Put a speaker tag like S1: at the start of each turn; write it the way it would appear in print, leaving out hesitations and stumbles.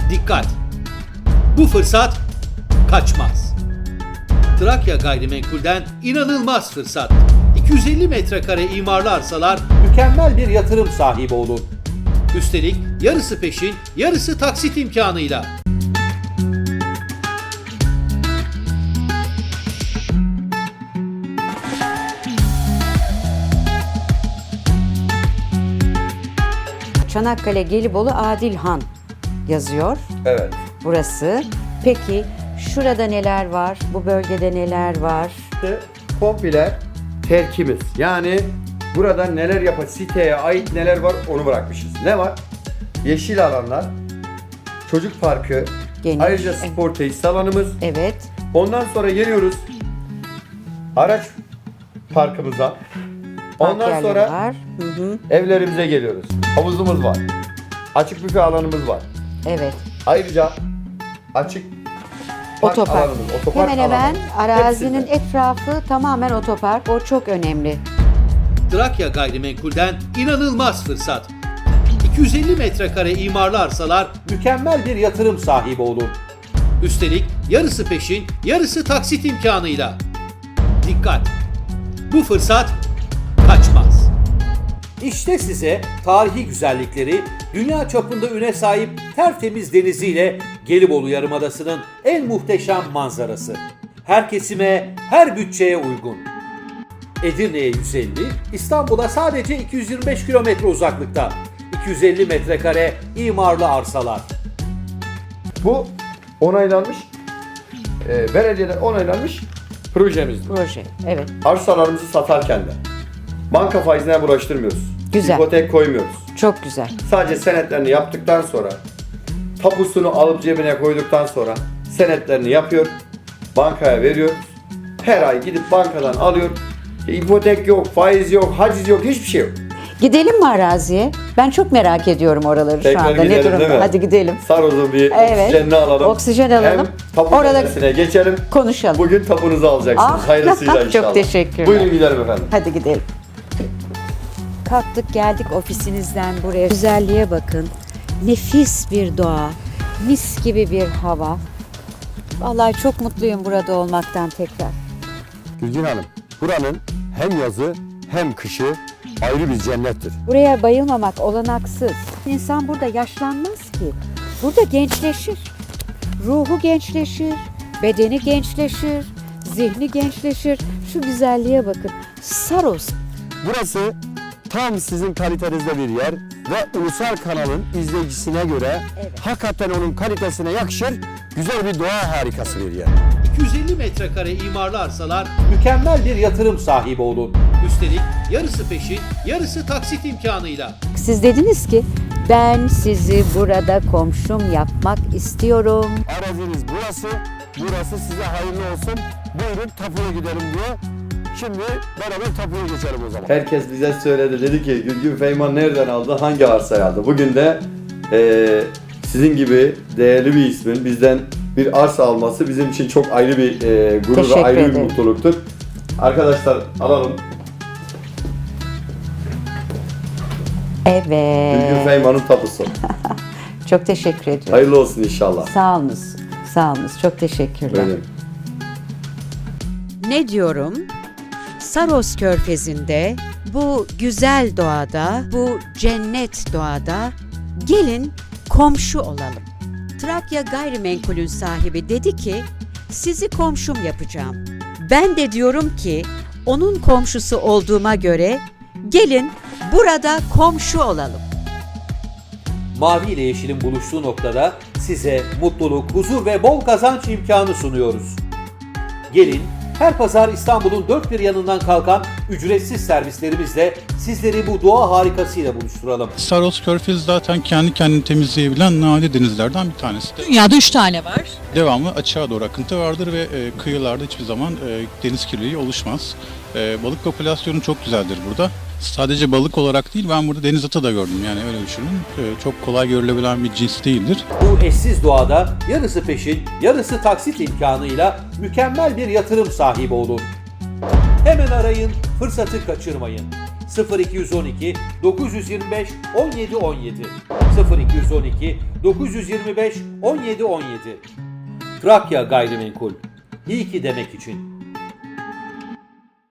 S1: Dikkat! Bu fırsat kaçmaz. Trakya Gayrimenkul'den inanılmaz fırsat. 250 metrekare imarlı arsalar mükemmel bir yatırım sahibi olun. Üstelik yarısı peşin, yarısı taksit imkanıyla.
S2: Çanakkale Gelibolu Adilhan yazıyor
S3: Evet.
S2: burası. Peki şurada neler var? Bu bölgede neler var?
S3: İşte komple terkimiz. Yani burada neler yapar, siteye ait neler var onu bırakmışız. Ne var? Yeşil alanlar, çocuk parkı,
S2: Geniş.
S3: ayrıca spor tesis alanımız.
S2: Evet.
S3: Ondan sonra geliyoruz araç parkımıza.
S2: Park
S3: Ondan
S2: yerleri
S3: sonra
S2: var. Hı hı.
S3: evlerimize geliyoruz. Havuzumuz var. Açık büfe alanımız var.
S2: Evet.
S3: Ayrıca açık park
S2: Otopark.
S3: alanımız, otopark
S2: Hemen hemen
S3: alanımız.
S2: arazinin
S3: Hepsinde.
S2: etrafı tamamen otopark. O çok önemli.
S1: Trakya Gayrimenkul'den inanılmaz fırsat. 250 metrekare imarlı arsalar mükemmel bir yatırım sahibi olun. Üstelik yarısı peşin, yarısı taksit imkanıyla. Dikkat! Bu fırsat kaçmaz. İşte size tarihi güzellikleri, dünya çapında üne sahip tertemiz deniziyle Gelibolu Yarımadası'nın en muhteşem manzarası. Her kesime, her bütçeye uygun. Edirne'ye 150, İstanbul'a sadece 225 kilometre uzaklıkta. 250 metrekare imarlı arsalar.
S3: Bu onaylanmış, belediyeden onaylanmış projemiz.
S2: Proje. Evet.
S3: Arsalarımızı satarken de banka faizine bulaştırmıyoruz.
S2: Güzel.
S3: İpotek koymuyoruz.
S2: Çok güzel.
S3: Sadece senetlerini yaptıktan sonra, tapusunu alıp cebine koyduktan sonra senetlerini yapıyor, bankaya veriyor. Her ay gidip bankadan alıyor. İpotek yok, faiz yok, haciz yok, hiçbir şey yok.
S2: Gidelim mi araziye? Ben çok merak ediyorum oraları şu anda.
S3: gidelim,
S2: Ne durumda?
S3: değil mi?
S2: Hadi gidelim.
S3: Saroz'un bir
S2: Evet.
S3: oksijenini alalım.
S2: Oksijen alalım.
S3: Hem tapu
S2: Orada
S3: meselesine geçelim.
S2: konuşalım.
S3: Bugün tapunuzu alacaksınız.
S2: Ah,
S3: Hayırlısıyla
S2: çok
S3: inşallah.
S2: teşekkürler.
S3: Buyurun gidelim efendim.
S2: Hadi gidelim. Kalktık geldik ofisinizden buraya. Güzelliğe bakın. Nefis bir doğa. Mis gibi bir hava. Vallahi çok mutluyum burada olmaktan tekrar.
S4: Gülgin Hanım, buranın hem yazı hem kışı ayrı bir cennettir.
S2: Buraya bayılmamak olanaksız. İnsan burada yaşlanmaz ki. Burada gençleşir. Ruhu gençleşir, bedeni gençleşir, zihni gençleşir. Şu güzelliğe bakın. Saros.
S4: Burası tam sizin kalitenizde bir yer ve ulusal kanalın izleyicisine göre hakikaten onun kalitesine yakışır güzel bir doğa harikası bir yer.
S1: 250 metrekare imarlı arsalar mükemmel bir yatırım sahibi olun. Üstelik yarısı peşin, yarısı taksit imkanıyla.
S2: Siz dediniz ki ben sizi burada komşum yapmak istiyorum.
S4: Araziniz burası, burası size hayırlı olsun. Buyurun tapuya gidelim diye. Şimdi beraber tapuya geçelim o zaman.
S3: Herkes bize söyledi. Dedi ki Gülgün Feyman nereden aldı? Hangi arsayı aldı? Bugün de sizin gibi değerli bir ismin bizden bir arsa alması bizim için çok ayrı bir gurur ve
S2: Teşekkür
S3: ayrı bir
S2: ederim.
S3: mutluluktur. Arkadaşlar alalım. Gülgün
S2: Evet.
S3: Feyman'ın tapusu.
S2: Çok teşekkür ediyorum.
S3: Hayırlı olsun inşallah.
S2: Sağ olunuz. Sağ olunuz. Çok teşekkürler.
S3: Buyurun.
S2: Ne diyorum? Saros Körfezi'nde, bu güzel doğada, bu cennet doğada gelin komşu olalım. Trakya Gayrimenkul'ün sahibi dedi ki, sizi komşum yapacağım. Ben de diyorum ki, onun komşusu olduğuma göre gelin burada komşu olalım.
S1: Mavi ile yeşilin buluştuğu noktada size mutluluk, huzur ve bol kazanç imkanı sunuyoruz. Gelin, her pazar İstanbul'un dört bir yanından kalkan ücretsiz servislerimizle sizleri bu doğa harikasıyla buluşturalım.
S5: Saros Körfez zaten kendi kendini temizleyebilen nadir denizlerden bir tanesi.
S6: Dünyada 3 tane var.
S5: Devamlı açığa doğru akıntı vardır ve kıyılarda hiçbir zaman deniz kirliliği oluşmaz. Balık popülasyonu çok güzeldir burada. Sadece balık olarak değil, ben burada deniz atı da gördüm, yani öyle düşünün. Çok kolay görülebilen bir cins değildir.
S1: Bu eşsiz doğada yarısı peşin, yarısı taksit imkanıyla mükemmel bir yatırım sahibi olun. Hemen arayın, fırsatı kaçırmayın. 0212 925 17 17 0212 925 17 17 Trakya Gayrimenkul. İyi ki demek için.